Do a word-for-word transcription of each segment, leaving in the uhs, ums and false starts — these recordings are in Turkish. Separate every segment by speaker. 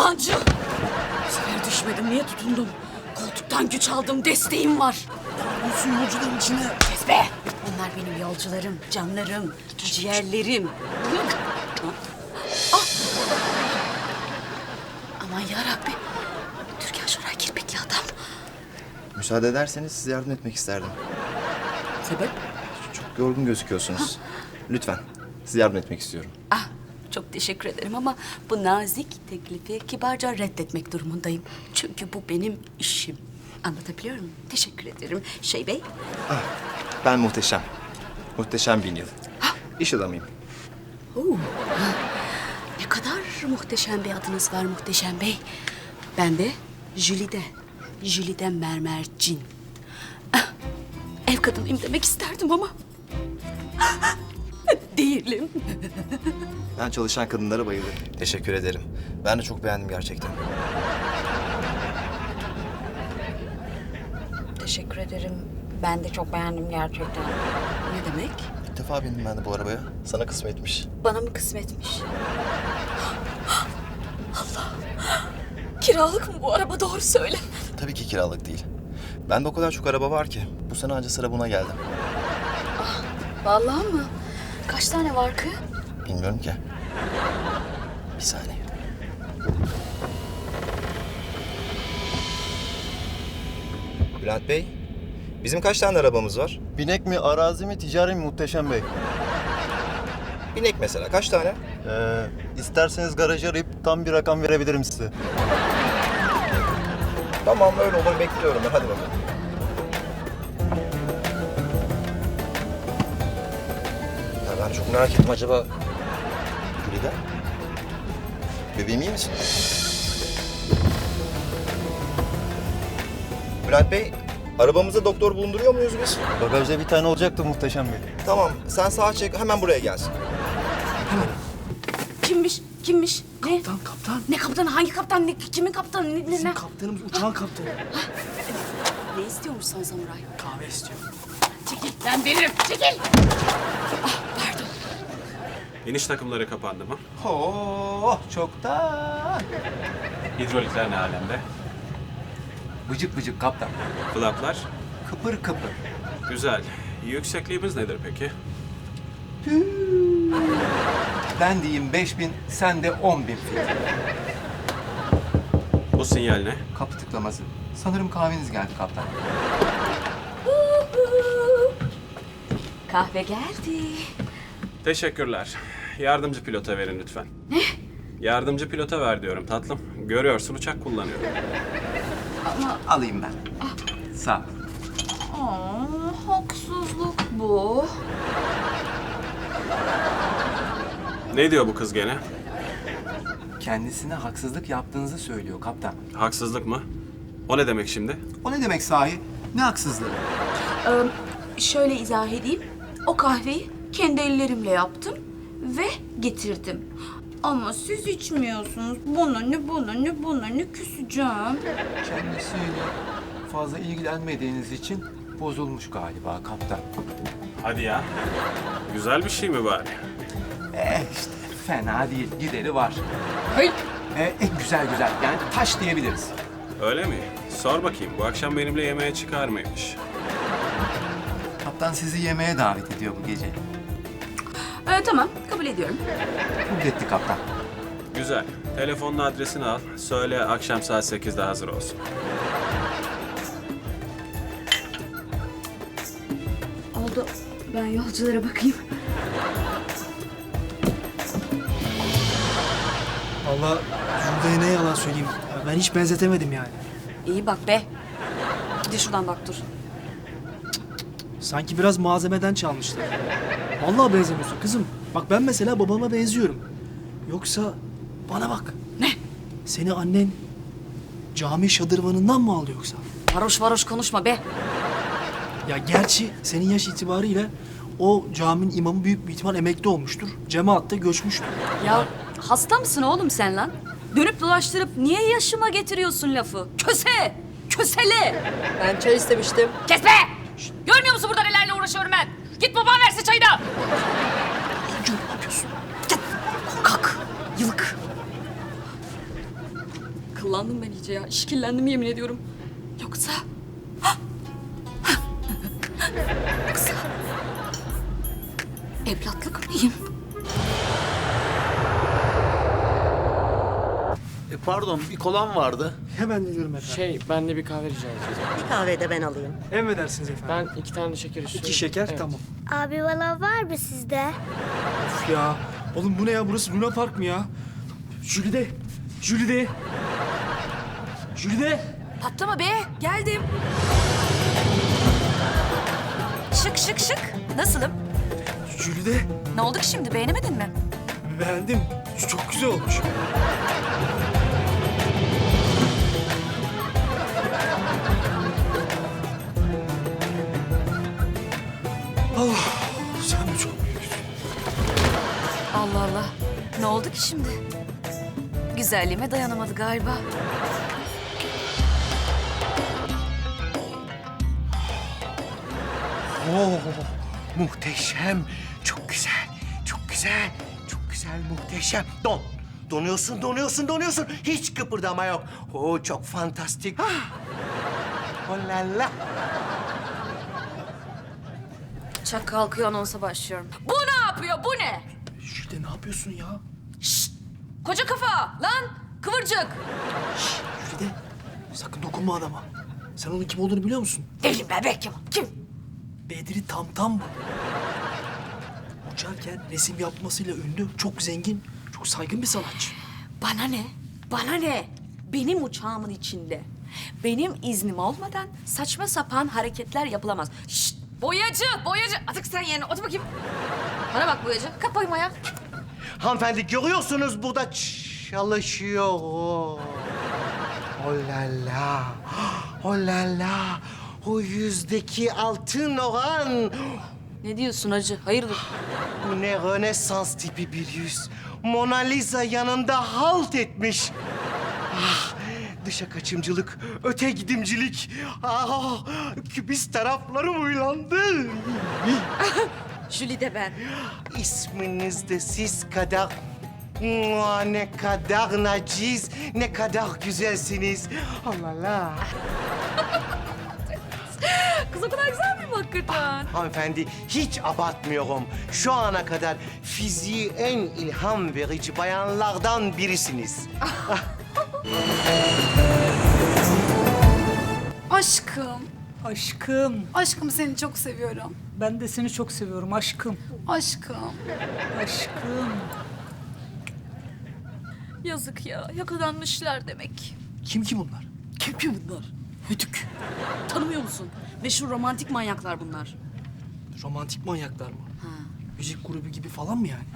Speaker 1: Yalancı. Bu sefer düşmedim. Niye tutundum? Koltuktan güç aldım. Desteğim var.
Speaker 2: Olsun yolcuların içine.
Speaker 1: Kes be. Onlar benim yolcularım, canlarım, ciğerlerim. Ah. Aman yarabbi. Türkan Şoray kirpikli adam.
Speaker 3: Müsaade ederseniz size yardım etmek isterdim.
Speaker 1: Sebep?
Speaker 3: Çok yorgun gözüküyorsunuz. Lütfen, size yardım etmek istiyorum.
Speaker 1: Ah, çok teşekkür ederim ama bu nazik teklifi kibarca reddetmek durumundayım. Çünkü bu benim işim. Anlatabiliyor muyum? Teşekkür ederim. Şey Bey.
Speaker 3: Ben Muhteşem. Muhteşem Bin Yıl. İş adamıyım.
Speaker 1: Oo. Ne kadar muhteşem bir adınız var Muhteşem Bey. Ben de Jülide. Jülide Mermercin. Ah, ev kadınıyım demek isterdim ama... değilim.
Speaker 3: Ben çalışan kadınlara bayılırım. Teşekkür ederim. Ben de çok beğendim gerçekten.
Speaker 1: Teşekkür ederim. Ben de çok beğendim gerçekten. Ne demek?
Speaker 3: İlk defa bindim ben de bu arabaya. Sana kısmetmiş.
Speaker 1: Bana mı kısmetmiş? Allah! Kiralık mı bu araba? Doğru söyle.
Speaker 3: Tabii ki kiralık değil. Bende o kadar çok araba var ki. Bu sene anca sıra buna geldi.
Speaker 1: Vallahi mı? Kaç tane var ki?
Speaker 3: Bilmiyorum ki. Bir saniye. Bülent Bey, bizim kaç tane arabamız var?
Speaker 4: Binek mi, arazi mi, ticari mi Muhteşem Bey?
Speaker 3: Binek mesela, kaç tane?
Speaker 4: Ee, isterseniz garajı arayıp tam bir rakam verebilirim size.
Speaker 3: Tamam, öyle olur. Bekliyorum ben. Hadi bakalım. Ya ben çok merak ettim acaba... Gülide? Bebeğim iyi misin? Bülent Bey, arabamızda doktor bulunduruyor muyuz biz?
Speaker 4: Bagajda bir tane olacaktı Muhteşem Bey.
Speaker 3: Tamam, sen sağa çek, hemen buraya gelsin.
Speaker 1: Kimmiş? Kimmiş? Ne?
Speaker 2: Kaptan, kaptan.
Speaker 1: Ne kaptanı? Hangi kaptan? Ne, kimin kaptanı? Ne, ne,
Speaker 2: Bizim
Speaker 1: ne?
Speaker 2: kaptanımız uçağın kaptanı.
Speaker 1: Ne istiyormuş son samuray?
Speaker 2: Kahve istiyor.
Speaker 1: Çekil. Ben veririm. Çekil. Ah, pardon.
Speaker 5: İniş takımları kapandı mı?
Speaker 6: Oh, çoktan.
Speaker 5: Hidrolikler ne alemde?
Speaker 6: Bıcık bıcık kaptan.
Speaker 5: Flaplar?
Speaker 6: Kıpır kıpır.
Speaker 5: Güzel. Yüksekliğimiz nedir peki?
Speaker 6: Ben diyeyim beş bin, sen de on bin fit.
Speaker 5: Bu sinyal ne?
Speaker 6: Kapı tıklaması. Sanırım kahveniz geldi kaptan.
Speaker 1: Kahve geldi.
Speaker 5: Teşekkürler. Yardımcı pilota verin lütfen. Ne? Yardımcı pilota ver diyorum tatlım. Görüyorsun uçak kullanıyorum.
Speaker 6: Alayım ben. Sağ ol.
Speaker 1: Aa, haksızlık bu.
Speaker 5: Ne diyor bu kız gene?
Speaker 6: Kendisine haksızlık yaptığınızı söylüyor kaptan.
Speaker 5: Haksızlık mı? O ne demek şimdi?
Speaker 6: O ne demek sahi? Ne haksızlığı?
Speaker 1: Ee, şöyle izah edeyim. O kahveyi kendi ellerimle yaptım ve getirdim. Ama siz içmiyorsunuz. Bana ne, bana ne, bana ne küseceğim.
Speaker 6: Kendisiyle fazla ilgilenmediğiniz için bozulmuş galiba kaptan.
Speaker 5: Hadi ya. Güzel bir şey mi bari?
Speaker 6: Eh işte fena değil. Gideri var.
Speaker 1: Hayır.
Speaker 6: Eh, eh, güzel güzel. Yani taş diyebiliriz.
Speaker 5: Öyle mi? Sor bakayım. Bu akşam benimle yemeğe çıkar mıymış?
Speaker 6: Kaptan sizi yemeğe davet ediyor bu gece.
Speaker 1: Ee, tamam, kabul ediyorum.
Speaker 6: Kabul etti kaptan.
Speaker 5: Güzel. Telefonun adresini al. Söyle akşam saat sekizde hazır olsun.
Speaker 1: Oldu. Ben yolculara bakayım.
Speaker 2: Vallahi Jülide'ye ne yalan söyleyeyim. Ya ben hiç benzetemedim yani.
Speaker 1: İyi bak be. Bir de şuradan bak dur.
Speaker 2: Sanki biraz malzemeden çalmışlar. Vallahi benzemiyorsun kızım. Bak ben mesela babama benziyorum. Yoksa bana bak.
Speaker 1: Ne?
Speaker 2: Seni annen cami şadırvanından mı aldı yoksa?
Speaker 1: Varoş varoş konuşma be.
Speaker 2: Ya gerçi senin yaş itibariyle o caminin imamı büyük bir ihtimal emekli olmuştur. Cemaatte göçmüştür.
Speaker 1: Ya hasta mısın oğlum sen lan? Dönüp dolaştırıp niye yaşıma getiriyorsun lafı? Köse! Kösele!
Speaker 7: Ben çay istemiştim.
Speaker 1: Kes be! Görmüyor musun burada nelerle uğraşıyorum ben? Git baban versin çayı da!
Speaker 2: Yolcu ne yapıyorsun?
Speaker 1: Kalk! Yılık! Akıllandım ben iyice ya. İşkillendim yemin ediyorum. Yoksa... Yoksa... Evlatlık mıyım?
Speaker 7: E, pardon, bir kolam vardı.
Speaker 2: Hemen geliyorum efendim.
Speaker 8: Şey, ben de bir kahve rica edeceğim.
Speaker 9: Bir kahve de ben alayım.
Speaker 2: Emredersiniz efendim.
Speaker 8: Ben iki tane şeker istiyorum.
Speaker 2: İki şeker
Speaker 8: Evet.
Speaker 2: tamam.
Speaker 10: Abi valla var mı sizde?
Speaker 2: Of ya. Oğlum bu ne ya? Burası Luna Park mı ya? Jülide. Jülide. Jülide.
Speaker 11: Patlama be, geldim. Şık şık şık. Nasılım?
Speaker 2: Jülide.
Speaker 11: Ne oldu ki şimdi, beğenemedin mi?
Speaker 2: Beğendim. Çok güzel olmuş. Allah. Sen de çok büyüksün.
Speaker 11: Allah Allah. Ne oldu ki şimdi? Güzelliğime dayanamadı galiba.
Speaker 6: Oo, muhteşem. Çok güzel. Çok güzel. Çok güzel, muhteşem. Don. Donuyorsun, donuyorsun, donuyorsun. Hiç kıpırdama yok. Oo, çok fantastik. Ah. Oh la la.
Speaker 11: Uçak kalkıyor, anonsa başlıyorum. Bu ne yapıyor, bu ne?
Speaker 2: Jülide ne yapıyorsun ya?
Speaker 11: Koca kafa, lan kıvırcık.
Speaker 2: Jülide. Sakın dokunma adama. Sen onun kim olduğunu biliyor musun?
Speaker 11: Deli bebek ya, kim?
Speaker 2: Bedri Tamtam bu. Uçarken resim yapmasıyla ünlü, çok zengin, çok saygın bir sanatçı.
Speaker 11: Bana ne? Bana ne? Benim uçağımın içinde. Benim iznim olmadan saçma sapan hareketler yapılamaz. Şşt! Boyacı, boyacı. Atık sen yerine. Otur bakayım. Bana bak boyacı. Kalk bakayım ayağa.
Speaker 6: Hanımefendi görüyorsunuz burada çalışıyor. Oh la la. Oh la la. O yüzdeki altın oran.
Speaker 11: Ne diyorsun hacı? Hayırdır?
Speaker 6: Bu ne Rönesans tipi bir yüz. Mona Lisa yanında halt etmiş. Ah, dışa kaçımcılık, öte gidimcilik. Ah, kübist taraflarım uylandı.
Speaker 11: Jüli de ben.
Speaker 6: İsminiz de siz kadar... Mua, ne kadar naciz, ne kadar güzelsiniz. Allah la.
Speaker 11: Kız o kadar güzel miyim hakikaten?
Speaker 6: Hanımefendi hiç abartmıyorum. Şu ana kadar fiziği en ilham verici bayanlardan birisiniz.
Speaker 1: Aşkım.
Speaker 12: Aşkım,
Speaker 1: Aşkım seni çok seviyorum.
Speaker 12: ben de seni çok seviyorum aşkım.
Speaker 1: Aşkım.
Speaker 12: Aşkım.
Speaker 11: Yazık ya. Yakalanmışlar demek.
Speaker 2: Kim ki bunlar?
Speaker 1: Kim ki bunlar? Hüdük. Tanımıyor musun? Meşhur romantik manyaklar bunlar.
Speaker 2: Romantik manyaklar mı? Müzik grubu gibi falan mı yani?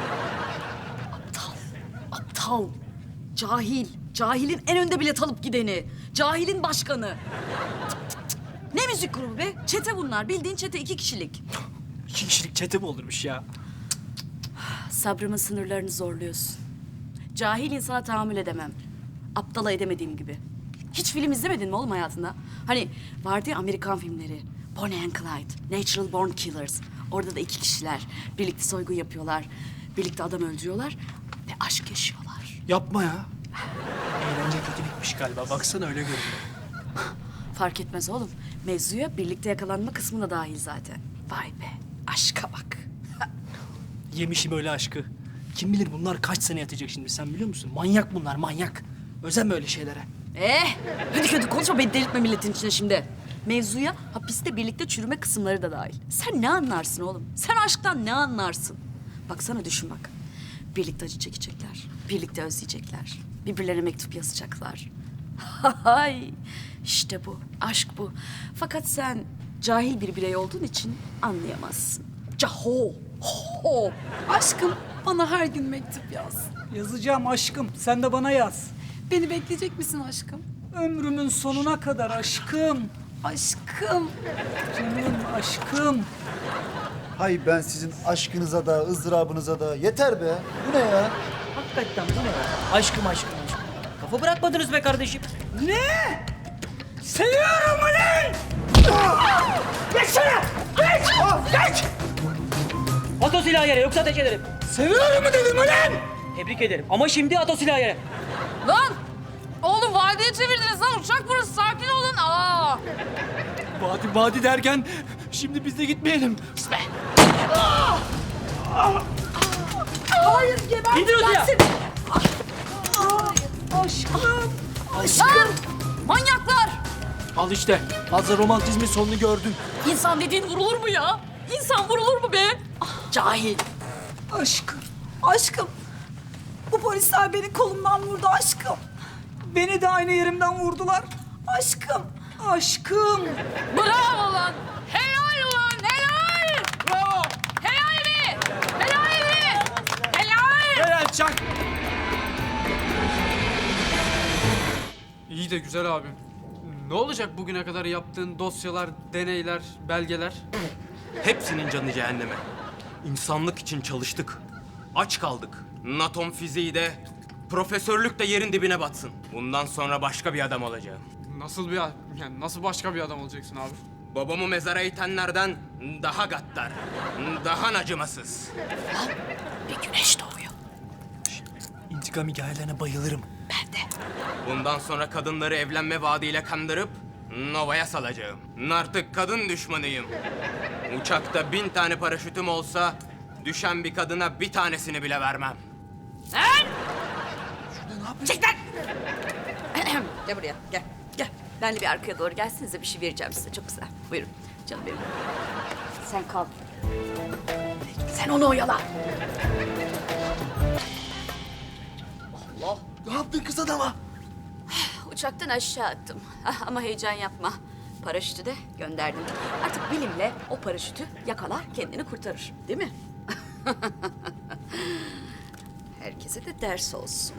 Speaker 1: Aptal. Aptal. Cahil. Cahilin en önde bilet alıp gideni. Cahilin başkanı. Cık cık cık. Ne müzik grubu be? Çete bunlar. Bildiğin çete iki kişilik.
Speaker 2: İki kişilik çete mi olurmuş ya?
Speaker 1: Sabrımın sınırlarını zorluyorsun. Cahil insana tahammül edemem. Aptala edemediğim gibi. Hiç film izlemedin mi oğlum hayatında? Hani vardı ya Amerikan filmleri. Bonnie and Clyde, Natural Born Killers. Orada da iki kişiler. Birlikte soygun yapıyorlar. Birlikte adam öldürüyorlar. Ve aşk yaşıyorlar.
Speaker 2: Yapma ya. Eğlence kötü bitmiş galiba. Baksana öyle görünüyor.
Speaker 1: Fark etmez oğlum. Mevzuya birlikte yakalanma kısmı da dahil zaten. Vay be, aşka bak.
Speaker 2: Yemişim öyle aşkı. Kim bilir bunlar kaç sene yatacak şimdi sen biliyor musun? Manyak bunlar manyak. Özenme öyle şeylere.
Speaker 1: Eh, hadi hadi konuşma beni delirtme milletin içine şimdi. Mevzuya hapiste birlikte çürüme kısımları da dahil. Sen ne anlarsın oğlum? Sen aşktan ne anlarsın? Baksana düşün bak. Birlikte acı çekecekler. Birlikte özleyecekler. Birbirlerine mektup yazacaklar. Hay, işte bu. Aşk bu. Fakat sen cahil bir birey olduğun için anlayamazsın. Caho. Ho. Aşkım bana her gün mektup yaz.
Speaker 12: Yazacağım aşkım, sen de bana yaz.
Speaker 1: Beni bekleyecek misin aşkım?
Speaker 12: Ömrümün sonuna kadar aşkım.
Speaker 1: Aşkım.
Speaker 12: Canım aşkım.
Speaker 4: Hay ben sizin aşkınıza da ızdırabınıza da yeter be. Bu ne ya?
Speaker 8: Hakikaten bu ne ya? Aşkım aşkım aşkım. Kafa bırakmadınız be kardeşim.
Speaker 12: Ne? Seviyorum ulan! Geçsene! Geç! Geç!
Speaker 8: At o silahı yere yoksa ateş ederim.
Speaker 12: Seviyorum mu dedim ulan?
Speaker 8: Tebrik ederim ama şimdi at o silahı yere.
Speaker 11: Lan! Oldu vadiye çevirdiniz lan. Uçak burası. Sakin olun. Aa.
Speaker 2: Vadi vadi derken şimdi biz de gitmeyelim.
Speaker 11: Hayır geber.
Speaker 8: İndir Hülya.
Speaker 11: Aşkım. Aşkım. Manyaklar.
Speaker 2: Al işte. Fazla romantizmin sonunu gördün.
Speaker 11: İnsan dediğin vurulur mu ya? İnsan vurulur mu be? Cahil.
Speaker 12: Aşkım. Aşkım. Bu polisler beni kolumdan vurdu aşkım. Beni de aynı yerimden vurdular. Aşkım. Aşkım.
Speaker 11: Bravo lan. Helal ulan. Helal.
Speaker 2: Bravo.
Speaker 11: Helal mi? Helal mi? Helal.
Speaker 2: Helal çak.
Speaker 9: İyi de güzel abim. Ne olacak bugüne kadar yaptığın dosyalar, deneyler, belgeler?
Speaker 5: Hepsinin canı cehenneme. İnsanlık için çalıştık. Aç kaldık. Atom fiziği de, profesörlük de yerin dibine batsın. Bundan sonra başka bir adam olacağım.
Speaker 9: Nasıl bir a- yani nasıl başka bir adam olacaksın abi?
Speaker 5: Babamı mezara itenlerden daha gaddar, daha acımasız.
Speaker 1: Bir güneş doğuyor.
Speaker 2: İntikam hikayelerine bayılırım.
Speaker 1: Ben de.
Speaker 5: Bundan sonra kadınları evlenme vaadiyle kandırıp Nova'ya salacağım. Artık kadın düşmanıyım. Uçakta bin tane paraşütüm olsa düşen bir kadına bir tanesini bile vermem.
Speaker 11: Lan! Çek lan! Gel buraya, gel. Gel. Benle bir arkaya doğru gelsinize, bir şey vereceğim size. Çok güzel. Buyurun. Canım benim. Sen kal. Sen onu oyala. Allah.
Speaker 2: Ne yaptın kız adama?
Speaker 11: Uçaktan aşağı attım. Ah, ama heyecan yapma. Paraşütü de gönderdim. Artık bilimle o paraşütü yakalar, kendini kurtarır. Değil mi? Herkese de ders olsun.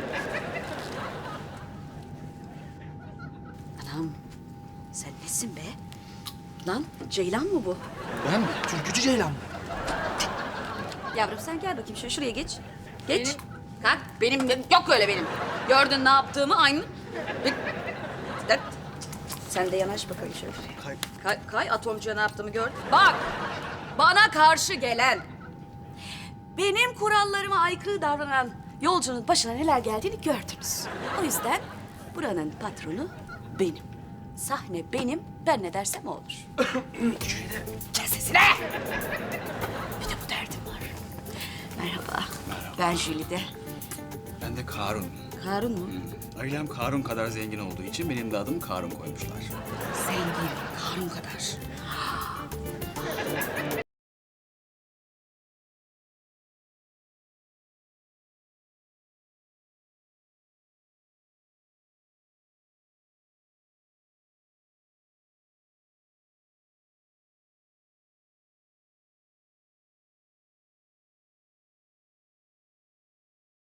Speaker 11: Anam, sen nesin be? Lan, Ceylan mı bu?
Speaker 2: Ben mi? Türkücü Ceylan mı?
Speaker 11: Yavrum sen gel bakayım şöyle şuraya geç. Geç. Kalk. Benim, benim- yok öyle benim. Gördün ne yaptığımı aynı. Bir- Dert. Sen de yanaş bakayım şöyle.
Speaker 2: Kay.
Speaker 11: Kay, kay atomcuya ne yaptığımı gördün. Bak. Bana karşı gelen, benim kurallarıma aykırı davranan yolcunun başına neler geldiğini gördünüz. O yüzden buranın patronu benim. Sahne benim. Ben ne dersem o olur. Kes sesine. Bir de bu derdim var. Merhaba. Ben Jülide.
Speaker 13: Ben de Karun.
Speaker 11: Karun mu?
Speaker 13: Ailem Karun kadar zengin olduğu için benim de adım Karun koymuşlar.
Speaker 11: Zengin. Karun kadar.